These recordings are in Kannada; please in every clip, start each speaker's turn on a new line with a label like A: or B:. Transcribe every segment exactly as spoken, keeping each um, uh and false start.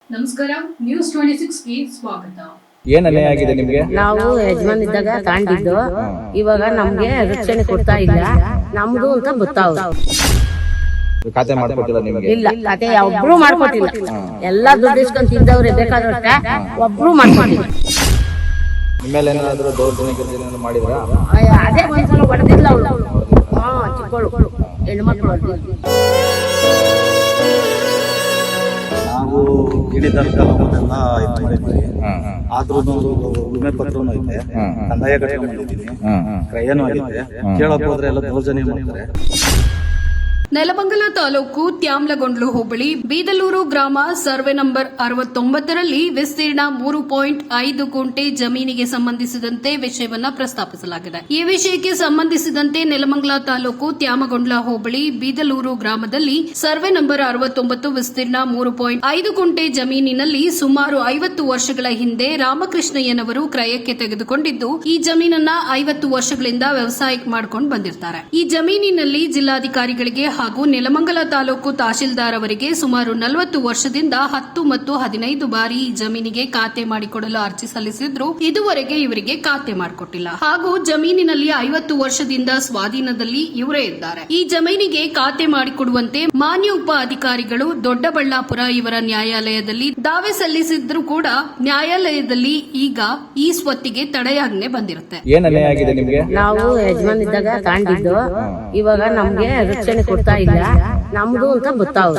A: ನಮಸ್ಕಾರ, ನ್ಯೂಸ್ ಟ್ವೆಂಟಿ ಸಿಕ್ಸ್ ಗೆ ಸ್ವಾಗತ.
B: ಏನ್ ಅನ್ಯಾಯ ಆಗಿದೆ ನಿಮ್ಗೆ?
C: ನಾವು ಯಜಮಾನ್ ಇದ್ದಾಗ ತಾಂಡಿದ್ದು, ಇವಾಗ ನಮ್ಗೆ ರಕ್ಷಣೆ ಕೊಡ್ತಾ ಇಲ್ಲ. ನಮ್ದು ಅಂತ ಗೊತ್ತಾವ್
B: ಖಾತೆ ಮಾಡ್ಕೊಟ್ಟಿಲ್ಲ ನಿಮ್ಗೆ?
C: ಇಲ್ಲ, ಖಾತೆ ಒಬ್ರು ಮಾಡ್ಕೊಟ್ಟಿಲ್ಲ. ಎಲ್ಲಾ ದುಡ್ಡು ಇಸ್ಕೊಂಡ್ ತಿಂದವ್ರೆ ಬೇಕಾದಷ್ಟ, ಒಬ್ರು ಮಾಡ್ಕೊಟ್ಟಿಲ್ಲ.
B: ನಿಮ್ಮೇಲೆ ಏನಾದ್ರು ದೌರ್ಜನ್ಯ ಗಿರ್ಜನ್ಯ ಮಾಡಿದ್ರಾ?
C: ಅದೇ ಒಂದ್ಸಲ ಹೊಡೆದಿಲ್ಲ ಅವಳು. ಹಾ, ಚಿಕ್ಕಳು ಹೆಣ್ಮಕ್ಳು ಹೊಡೆದಿಲ್ಲ.
D: ನಾವು ಗಿಣಿ ದರ್ಶನವನ್ನೆಲ್ಲ ಇದು ಮಾಡಿದ್ವಿ. ಆದ್ರೂ ವಿಮೆ ಪತ್ರನೂ ಐತೆ, ಕಂದಾಯ ಕಟ್ಕೊಂಡಿದ್ದೀನಿ, ಕ್ರಯನೂ ಆಗಿದೆ. ಕೇಳಕ್ ಹೋದ್ರೆ ಎಲ್ಲ ದೌರ್ಜನ್ಯ ಮಾಡ್ತಾರೆ.
A: ನೆಲಮಂಗಲ ತಾಲೂಕು ತ್ಯಾಮ್ಲಗೊಂಡ್ಲು ಹೋಬಳಿ ಬೀದಲೂರು ಗ್ರಾಮ ಸರ್ವೆ ನಂಬರ್ ಅರವತ್ತೊಂಬತ್ತರಲ್ಲಿ ವಿಸ್ತೀರ್ಣ ಮೂರು ಪಾಯಿಂಟ್ ಐದು ಗುಂಟೆ ಜಮೀನಿಗೆ ಸಂಬಂಧಿಸಿದಂತೆ ವಿಷಯವನ್ನ ಪ್ರಸ್ತಾಪಿಸಲಾಗಿದೆ. ಈ ವಿಷಯಕ್ಕೆ ಸಂಬಂಧಿಸಿದಂತೆ ನೆಲಮಂಗಲ ತಾಲೂಕು ತ್ಯಾಮಗೊಂಡ್ಲ ಹೋಬಳಿ ಬೀದಲೂರು ಗ್ರಾಮದಲ್ಲಿ ಸರ್ವೆ ನಂಬರ್ ಅರವತ್ತೊಂಬತ್ತು ವಿಸ್ತೀರ್ಣ ಮೂರು ಪಾಯಿಂಟ್ ಐದು ಗುಂಟೆ ಜಮೀನಿನಲ್ಲಿ ಸುಮಾರು ಐವತ್ತು ವರ್ಷಗಳ ಹಿಂದೆ ರಾಮಕೃಷ್ಣಯ್ಯನವರು ಕ್ರಯಕ್ಕೆ ತೆಗೆದುಕೊಂಡಿದ್ದು, ಈ ಜಮೀನನ್ನ ಐವತ್ತು ವರ್ಷಗಳಿಂದ ವ್ಯವಸಾಯಕ್ಕೆ ಮಾಡಿಕೊಂಡು ಬಂದಿರ್ತಾರೆ. ಈ ಜಮೀನಿನಲ್ಲಿ ಜಿಲ್ಲಾಧಿಕಾರಿಗಳಿಗೆ ಹಾಗೂ ನೆಲಮಂಗಲ ತಾಲೂಕು ತಹಶೀಲ್ದಾರ್ ಅವರಿಗೆ ಸುಮಾರು ನಲವತ್ತು ವರ್ಷದಿಂದ ಹತ್ತು ಮತ್ತು ಹದಿನೈದು ಬಾರಿ ಈ ಜಮೀನಿಗೆ ಖಾತೆ ಮಾಡಿಕೊಡಲು ಅರ್ಜಿ ಸಲ್ಲಿಸಿದ್ರು. ಇದುವರೆಗೆ ಇವರಿಗೆ ಖಾತೆ ಮಾಡಿಕೊಟ್ಟಿಲ್ಲ. ಹಾಗೂ ಜಮೀನಿನಲ್ಲಿ ಐವತ್ತು ವರ್ಷದಿಂದ ಸ್ವಾಧೀನದಲ್ಲಿ ಇವರೇ ಇದ್ದಾರೆ. ಈ ಜಮೀನಿಗೆ ಖಾತೆ ಮಾಡಿಕೊಡುವಂತೆ ಮಾನ್ಯ ಉಪ ಅಧಿಕಾರಿಗಳು ದೊಡ್ಡಬಳ್ಳಾಪುರ ಇವರ ನ್ಯಾಯಾಲಯದಲ್ಲಿ ದಾವೆ ಸಲ್ಲಿಸಿದ್ರು ಕೂಡ ನ್ಯಾಯಾಲಯದಲ್ಲಿ ಈಗ ಈ ಸ್ವತ್ತಿಗೆ ತಡೆಯಾಜ್ಞೆ ಬಂದಿರುತ್ತೆ.
B: ಏನ್ ಅನ್ಯಾಯ ಆಗಿದೆ ನಿಮ್ಗೆ?
C: ನಾವು ಯಜಮಾನ್ ಇದ್ದಾಗ ತಾಂಡಿದ್ದು, ಇವಾಗ ನಮ್ಗೆ ರಕ್ಷಣೆ ಕೊಡ್ತಾ ಇಲ್ಲ. ನಮ್ದು ಅಂತ ಗೊತ್ತಾವ್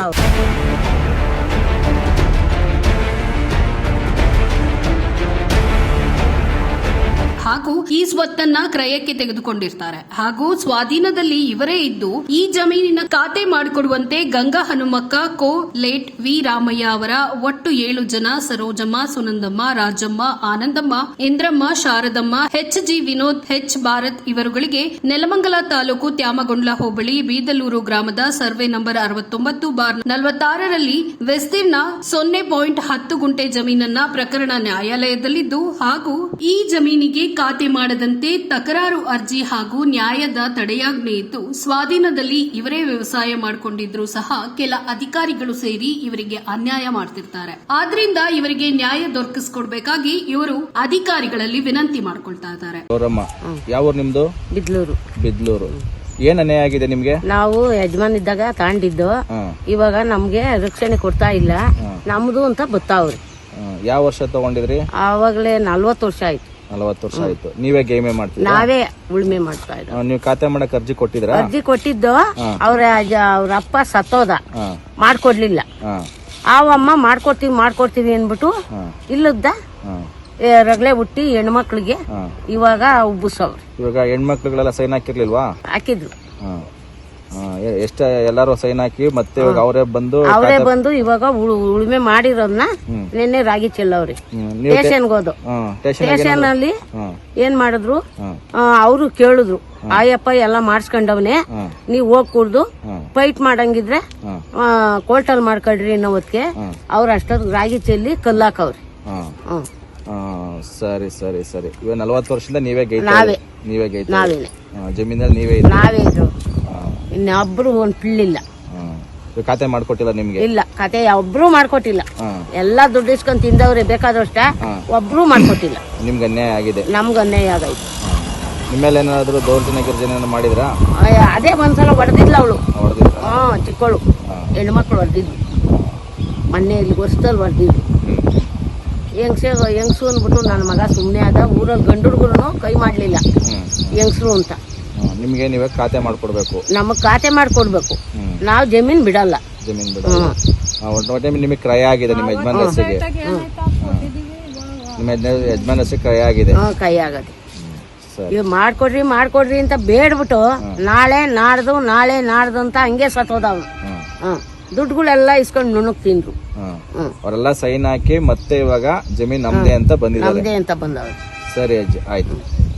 A: ಹಾಗೂ ಈ ಸ್ವತ್ತನ್ನ ಕ್ರಯಕ್ಕೆ ತೆಗೆದುಕೊಂಡಿರ್ತಾರೆ. ಹಾಗೂ ಸ್ವಾಧೀನದಲ್ಲಿ ಇವರೇ ಇದ್ದು ಈ ಜಮೀನಿನ ಖಾತೆ ಮಾಡಿಕೊಡುವಂತೆ ಗಂಗಾ ಹನುಮಕ್ಕ ಕೋ ಲೇಟ್ ವಿ ರಾಮಯ್ಯ ಅವರ ಒಟ್ಟು ಏಳು ಜನ Sarojamma, Sunandamma, Rajamma, Anandamma, Indramma, Sharadamma, H G Vinod, H Bharath ಇವರುಗಳಿಗೆ ನೆಲಮಂಗಲ ತಾಲೂಕು ತ್ಯಾಮಗೊಂಡ್ಲ ಹೋಬಳಿ ಬೀದಲೂರು ಗ್ರಾಮದ ಸರ್ವೆ ನಂಬರ್ ಅರವತ್ತೊಂಬತ್ತು ಬಾರ್ ನಲವತ್ತಾರರಲ್ಲಿ ವಿಸ್ತೀರ್ಣ ಸೊನ್ನೆ ಪಾಯಿಂಟ್ ಹತ್ತು ಗುಂಟೆ ಜಮೀನನ್ನ ಪ್ರಕರಣ ನ್ಯಾಯಾಲಯದಲ್ಲಿದ್ದು, ಹಾಗೂ ಈ ಜಮೀನಿಗೆ ಖಾತೆ ಮಾಡದಂತೆ ತಕರಾರು ಅರ್ಜಿ ಹಾಗೂ ನ್ಯಾಯದ ತಡೆಯಾಜ್ಞೆ ಇದ್ದು, ಸ್ವಾಧೀನದಲ್ಲಿ ಇವರೇ ವ್ಯವಸಾಯ ಮಾಡಿಕೊಂಡಿದ್ರು ಸಹ ಕೆಲ ಅಧಿಕಾರಿಗಳು ಸೇರಿ ಇವರಿಗೆ ಅನ್ಯಾಯ ಮಾಡ್ತಿರ್ತಾರೆ. ಆದ್ರಿಂದ ಇವರಿಗೆ ನ್ಯಾಯ ದೊರಕಿಸಿಕೊಡ್ಬೇಕಾಗಿ ಇವರು ಅಧಿಕಾರಿಗಳಲ್ಲಿ ವಿನಂತಿ ಮಾಡ್ಕೊಳ್ತಾ ಇದ್ದಾರೆ.
B: ಯಾವ ಊರು ನಿಮ್ದು?
C: ಬಿದ್ಲೂರು.
B: ಬಿದ್ಲೂರು. ಏನ್ ಅನ್ಯಾಯ ಆಗಿದೆ ನಿಮ್ಗೆ?
C: ನಾವು ಯಜಮಾನ್ ಇದ್ದಾಗ ತಾಂಡಿದ್ದು, ಇವಾಗ ನಮ್ಗೆ ರಕ್ಷಣೆ ಕೊಡ್ತಾ ಇಲ್ಲ. ನಮ್ದು ಅಂತ ಗೊತ್ತಾವ್ರಿ.
B: ಯಾವ ವರ್ಷ ತಗೊಂಡಿದ್ರಿ?
C: ಆವಾಗಲೇ ನಲ್ವತ್ತು ವರ್ಷ ಆಯ್ತು.
B: ನಲವತ್ತು ವರ್ಷ ಆಯ್ತು. ನೀವೇ ಗೇಮೆ ಮಾಡ್ತೀರಾ?
C: ನಾವೇ ಉಳ್ಮೆ ಮಾಡ್ತಾ ಇದ್ದ.
B: ನೀವು ಖಾತೆ ಮಾಡಕ್ ಅರ್ಜಿ ಕೊಟ್ಟಿದ್ರ?
C: ಅರ್ಜಿ ಕೊಟ್ಟಿದ್ದು, ಅವ್ರ ಅವ್ರ ಅಪ್ಪ ಸತ್ತೋದ, ಮಾಡ್ಕೊಡ್ಲಿಲ್ಲ. ಆವಮ್ಮ ಮಾಡ್ಕೊಡ್ತೀವಿ ಮಾಡ್ಕೊಡ್ತೀವಿ ಅನ್ಬಿಟ್ಟು ಇಲ್ಲದ ರಗಳೆ ಹುಟ್ಟಿ ಹೆಣ್ಮಕ್ಳಿಗೆ ಇವಾಗ ಉಬ್ಬಿಸವ್ರು.
B: ಇವಾಗ ಹೆಣ್ಮಕ್ಳುಗಳೆಲ್ಲ ಸೈನ್ ಹಾಕಿರ್ಲಿಲ್ವಾ?
C: ಹಾಕಿದ್ರು.
B: ಎಷ್ಟ ಎಲ್ಲಾರು ಸೈನ್ ಹಾಕಿ ಮತ್ತೆ ಇವಾಗ ಅವರೇ ಬಂದು
C: ಅವರೇ ಬಂದು ಇವಾಗ ಉಳುಮೆ ಮಾಡಿರೋದನ್ನ ನಿನ್ನೆ ರಾಗಿ ಚೆಲ್ಲವ್ರಿ. ಸ್ಟೇಷನ್ಗೆ ಹೋದು. ಸ್ಟೇಷನ್ ಅಲ್ಲಿ ಏನ್ ಮಾಡಿದ್ರು, ಅವರು ಕೇಳಿದ್ರು, ಆಯಪ್ಪ ಎಲ್ಲ ಮಾಡಿಸ್ಕೊಂಡವನೆ, ನೀವ್ ಹೋಗ್ ಕುಡ್ದು ಫೈಟ್ ಮಾಡಂಗಿದ್ರೆ ಕೋರ್ಟಲ್ ಮಾಡ್ಕೊಳ್ರಿ ಅನ್ನೋ ಹೊತ್ತಿಗೆ ಅವ್ರ ಅಷ್ಟೊತ್ತಿಗೆ ರಾಗಿ ಚೆಲ್ಲಿ ಕಲ್ಲಾಕವ್ರಿ.
B: ಸರಿ ಸರಿ ಸರಿ. ಇವಾಗ ನಲ್ವತ್ತು ವರ್ಷದಿಂದ ನೀವೇ ಗೈತ?
C: ನಾವೇ
B: ನೀವೇ ಗೈತ?
C: ನಾವೇನೆ.
B: ಜಮೀನಲ್ಲಿ ನೀವೇ
C: ನಾವೇ ಇದ್ರು. ಇನ್ನೊಬ್ರು ಒಂದ್ ಪಿಳ್ಳಿಲ್ಲ.
B: ಖಾತೆ ಮಾಡ್ಕೊಟ್ಟಿಲ್ಲ ನಿಮ್ಗೆ?
C: ಇಲ್ಲ, ಖಾತೆ ಒಬ್ರು ಮಾಡ್ಕೊಟ್ಟಿಲ್ಲ. ಎಲ್ಲಾ ದುಡ್ಡು ಇಸ್ಕೊಂಡ್ ತಿಂದವ್ರೆ ಬೇಕಾದಷ್ಟ, ಒಬ್ರು ಮಾಡ್ಕೊಟ್ಟಿಲ್ಲ.
B: ನಿಮ್ಗೆ ಅನ್ಯಾಯ ಆಗಿದೆ?
C: ನಮ್ಗ ಅನ್ಯಾಯ ಆಗೈತೆ.
B: ನಿಮ್ಮೇಲೆ ಏನಾದ್ರು ದೌರ್ಜನ್ಯ ಗಿರ್ಜನ್ಯ ಮಾಡಿದ್ರಾ?
C: ಅದೇ ಒಂದ್ಸಲ ಹೊಡೆದಿಲ್ಲ ಅವಳು.
B: ಹೊಡೆದಿಲ್ಲ?
C: ಹಾ, ಚಿಕ್ಕಳು ಹೆಣ್ಮಕ್ಳು ಹೊಡೆದಿದ್ವಿ. ಮೊನ್ನೆ ಇಲ್ಲಿ ವರ್ಷದಲ್ಲಿ ಹೊಡೆದಿದ್ವಿ. ಹೆಂಗ್ಸೆ ಹೆಂಗ್ಸು ಅಂದ್ಬಿಟ್ಟು ನನ್ನ ಮಗ ಸುಮ್ಮನೆ ಆದ. ಊರಲ್ಲಿ ಗಂಡು ಹುಡುಗರು ಕೈ ಮಾಡ್ಲಿಲ್ಲ ಹೆಂಗ್ಸರು ಅಂತ.
B: ನಿಮ್ಗೆ ನೀವೇ ಖಾತೆ ಮಾಡ್ಕೊಡ್ಬೇಕು? ನಮಗ್
C: ಖಾತೆ ಮಾಡ್ಕೊಡ್ಬೇಕು. ನಾವ್ ಜಮೀನ್ ಬಿಡಲ್ಲ.
B: ಜಮೀನ್ ಬಿಡಲ್ಲ. ನಿಮಗೆ ಕ್ರಯ ಆಗಿದೆ ನಿಮ್ಮ ಯಜಮಾನ್ ಹೆಸರಿಗೆ? ನಿಮ್ಮ ಯಜಮಾನ್ ಹೆಸರಿಗೆ ಕ್ರಯ ಆಗಿದೆ?
C: ಕೈ ಆಗದೆ. ಇವ್ ಮಾಡ್ಕೊಡ್ರಿ ಮಾಡ್ಕೊಡ್ರಿ ಅಂತ ಬೇಡ್ಬಿಟ್ಟು ನಾಳೆ ನಾಡ್ದು ನಾಳೆ ನಾಡ್ದು ಅಂತ ಹಂಗೆ ಸತ್ತೋದವ್. ದುಡ್ಡುಗಳೆಲ್ಲ ಇಸ್ಕೊಂಡು ನುಣುಕ್ ತಿಂದ್ರು.
B: ಅವರೆಲ್ಲ ಸೈನ್ ಹಾಕಿ ಮತ್ತೆ ಇವಾಗ ಜಮೀನ್ ನಮ್ದೇ ಅಂತ ಬಂದಿದ್ದಾರೆ.
C: ನಮ್ದೇ ಅಂತ ಬಂದವ್ರು.
B: ಸರಿ ಅಜ್ಜಿ, ಆಯ್ತು.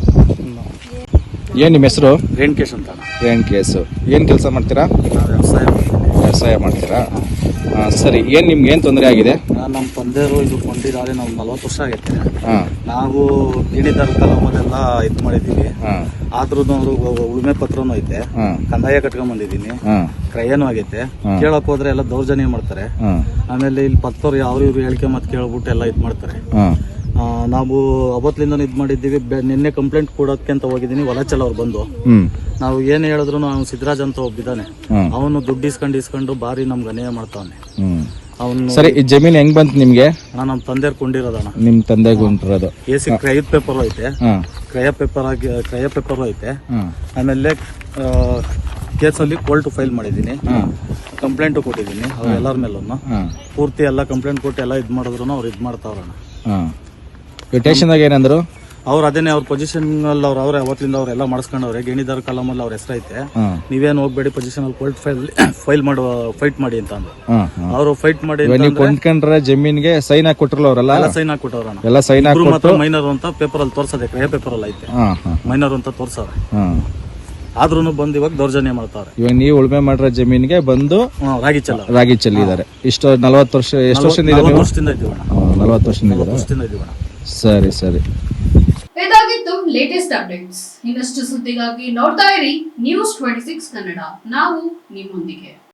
B: ಏನ್ ನಿಮ್ಮ ಹೆಸರು?
D: ರೇಣುಕೇಶ್ ಅಂತ.
B: ರೇಣುಕೇಶ್. ಏನ್ ಕೆಲಸ ಮಾಡ್ತೀರಾ?
D: ವ್ಯವಸಾಯ
B: ವ್ಯವಸಾಯ ಮಾಡ್ತೀರಾ? ಸರಿ. ಏನ್ ನಿಮ್ಗೆ ಏನ್ ತೊಂದರೆ ಆಗಿದೆ?
D: ನಮ್ಮ ತಂದೆಯವರು ಇದು ಕೊಂಡಿದ್ದಾರೆ ನಾವು ನಲ್ವತ್ತು ವರ್ಷ ಆಗೈತೆ.
B: ಹಾ
D: ನಾವು ಗಿಣಿದಾರ ಕಲಾಮದೆಲ್ಲ ಇದು ಮಾಡಿದ್ದೀವಿ.
B: ಹಾ
D: ಆದ್ರೂ ಉಳುಮೆ ಪತ್ರನೂ ಐತೆ,
B: ಹಾ
D: ಕಂದಾಯ ಕಟ್ಕೊಂಡ್ ಬಂದಿದ್ದೀನಿ,
B: ಹಾ
D: ಕ್ರಯನೂ ಆಗೈತೆ. ಕೇಳಕ್ ಹೋದ್ರೆ ಎಲ್ಲ ದೌರ್ಜನ್ಯ ಮಾಡ್ತಾರೆ.
B: ಹಾ
D: ಆಮೇಲೆ ಇಲ್ಲಿ ಪತ್ತವ್ರು ಯಾವ ಇವ್ರು ಹೇಳಿಕೆ ಮತ್ತೆ ಕೇಳ್ಬಿಟ್ಟು ಎಲ್ಲ ಇದು ಮಾಡ್ತಾರೆ.
B: ಹಾ
D: ಆ, ನಾವು ಅವತ್ತಿಂದ ಇದು ಮಾಡಿದ್ದೀವಿ. ಬೆ- ನಿನ್ನೆ ಕಂಪ್ಲೇಂಟ್ ಕೊಡೋಕ್ಕೆ ಅಂತ ಹೋಗಿದ್ದೀನಿ. ವಲಚಲ್ ಅವ್ರು ಬಂದು
B: ಹ್ಮ್
D: ನಾವು ಏನ್ ಹೇಳಿದ್ರು ಅವ್ನು ಸಿದ್ದರಾಜ್ ಅಂತ ಒಬ್ಬಿದ್ದಾನೆ,
B: ಹ್ಮ್
D: ಅವನು ದುಡ್ಡು ಇಸ್ಕೊಂಡು ಇಸ್ಕೊಂಡು ಬಾರಿ ನಮ್ಗೆ ಅನ್ಯಾಯ ಮಾಡ್ತಾವನೆ
B: ಹ್ಮ್
D: ಅವನು.
B: ಸರಿ, ಈ ಜಮೀನ್ ಹೆಂಗ್ ಬಂತು ನಿಮ್ಗೆ?
D: ಅಣ್ಣ ನಮ್ಮ ತಂದೆಯವ್ರು ಕೊಂಡಿರೋದಣ್ಣ.
B: ನಿಮ್ ತಂದೆಗೆ ಉಂಟಿರೋದು?
D: ಎ ಸಿ ಕ್ರಯದ ಪೇಪರ್ ಐತೆ,
B: ಹಾ
D: ಕ್ರಯ ಪೇಪರ್ ಆಗಿ ಕ್ರಯ ಪೇಪರ್ ಐತೆ.
B: ಹಾ
D: ಆಮೇಲೆ ಕೇಸಲ್ಲಿ ಕೋರ್ಟ್ ಫೈಲ್ ಮಾಡಿದ್ದೀನಿ,
B: ಹಾ
D: ಕಂಪ್ಲೇಂಟು ಕೊಟ್ಟಿದ್ದೀನಿ ಅವ್ರ ಎಲ್ಲರ ಮೇಲೂ.
B: ಹಾ
D: ಪೂರ್ತಿ ಎಲ್ಲ ಕಂಪ್ಲೇಂಟ್ ಕೊಟ್ಟು ಎಲ್ಲ ಇದು ಮಾಡಿದ್ರು ಅವ್ರು ಇದು ಮಾಡ್ತಾವ್ರಣ್ಣ.
B: ಹಾ ಸ್ಟೇಷನ್ದಾಗ ಏನಂದ್ರು?
D: ಅವ್ರು ಅದೇನೆ ಅವ್ರ ಪೊಸಿಷನ್ ಅಲ್ಲಿ ಅವ್ರು ಅವ್ರೆ ಅವತ್ತಿಂದ ಅವ್ರೆಲ್ಲ ಮಾಡಿಸ್ಕೊಂಡವ್ರೆ. ಗಿಣಿದಾರ ಕಾಲಮಲ್ಲಿ ಅವ್ರ ಹೆಸರೈತೆ,
B: ಹಾ
D: ನೀವೇನು ಹೋಗ್ಬೇಡಿ ಪೊಸಿಷನ್ ಅಲ್ಲಿ ಕೋರ್ಟ್ ಫೈಲ್ ಫೈಲ್ ಮಾಡುವ ಫೈಟ್ ಮಾಡಿ ಅಂತ ಅಂದ್ರು.
B: ಹಾ ಹಾ
D: ಅವರು ಫೈಟ್ ಮಾಡಿ
B: ಇವಾಗ ನೀವು ಕೊಂಡ್ಕೊಂಡ್ರೆ ಜಮೀನ್ಗೆ ಸೈನ್ ಹಾಕಿ ಕೊಟ್ರಲ್ಲ ಅವರೆಲ್ಲ?
D: ಎಲ್ಲ ಸೈನ್ ಹಾಕ್ಬಿಟ್ಟವ್ರಣ್ಣ.
B: ಎಲ್ಲ ಸೈನ್
D: ಇಬ್ರು
B: ಹಾಕಿ
D: ಮಾತ್ರ ಮೈನರ್ ಅಂತ ಪೇಪರ್ ಅಲ್ಲಿ ತೋರ್ಸದೆ, ಕ್ರಯ ಪೇಪರ್ ಅಲ್ಲಿ ಐತೆ
B: ಹಾ ಹಾ
D: ಮೈನರ್ ಅಂತ ತೋರ್ಸವ್ರೆ.
B: ಹಾ
D: ಆದ್ರೂ ಬಂದು ಇವಾಗ ದೌರ್ಜನ್ಯ ಮಾಡ್ತಾವ್ರೆ.
B: ಇವಾಗ ನೀವು ಉಳುಮೆ ಮಾಡಿರೋ ಜಮೀನ್ಗೆ ಬಂದು
D: ಹ್ಮ್, ರಾಗಿ ಚೆಲ್ಲ
B: ರಾಗಿ ಚೆಲ್ಲಿದ್ದಾರೆ. ಇಷ್ಟು ನಲವತ್ತು ವರ್ಷ ಎಷ್ಟು ವರ್ಷದಿಂದ ಇದ್ದಾರೆ ನೀವು?
D: ವರ್ಷದಿಂದ ಇದೀವಣ್ಣ.
B: ನಲವತ್ತು ವರ್ಷದಿಂದ ಇದ್ದೀರಾ?
D: ವರ್ಷದಿಂದ ಇದೀವಣ್ಣ.
B: ಸರಿ ಸರಿ.
A: ಇದಾಗಿತ್ತು ಲೇಟೆಸ್ಟ್ ಅಪ್ಡೇಟ್ಸ್. ಇನ್ನಷ್ಟು ಸುದ್ದಿಗಾಗಿ ನೋಡ್ತಾ ಇರಿ ನ್ಯೂಸ್ ಟ್ವೆಂಟಿ ಸಿಕ್ಸ್ ಕನ್ನಡ. ನಾವು ನಿಮ್ಮೊಂದಿಗೆ.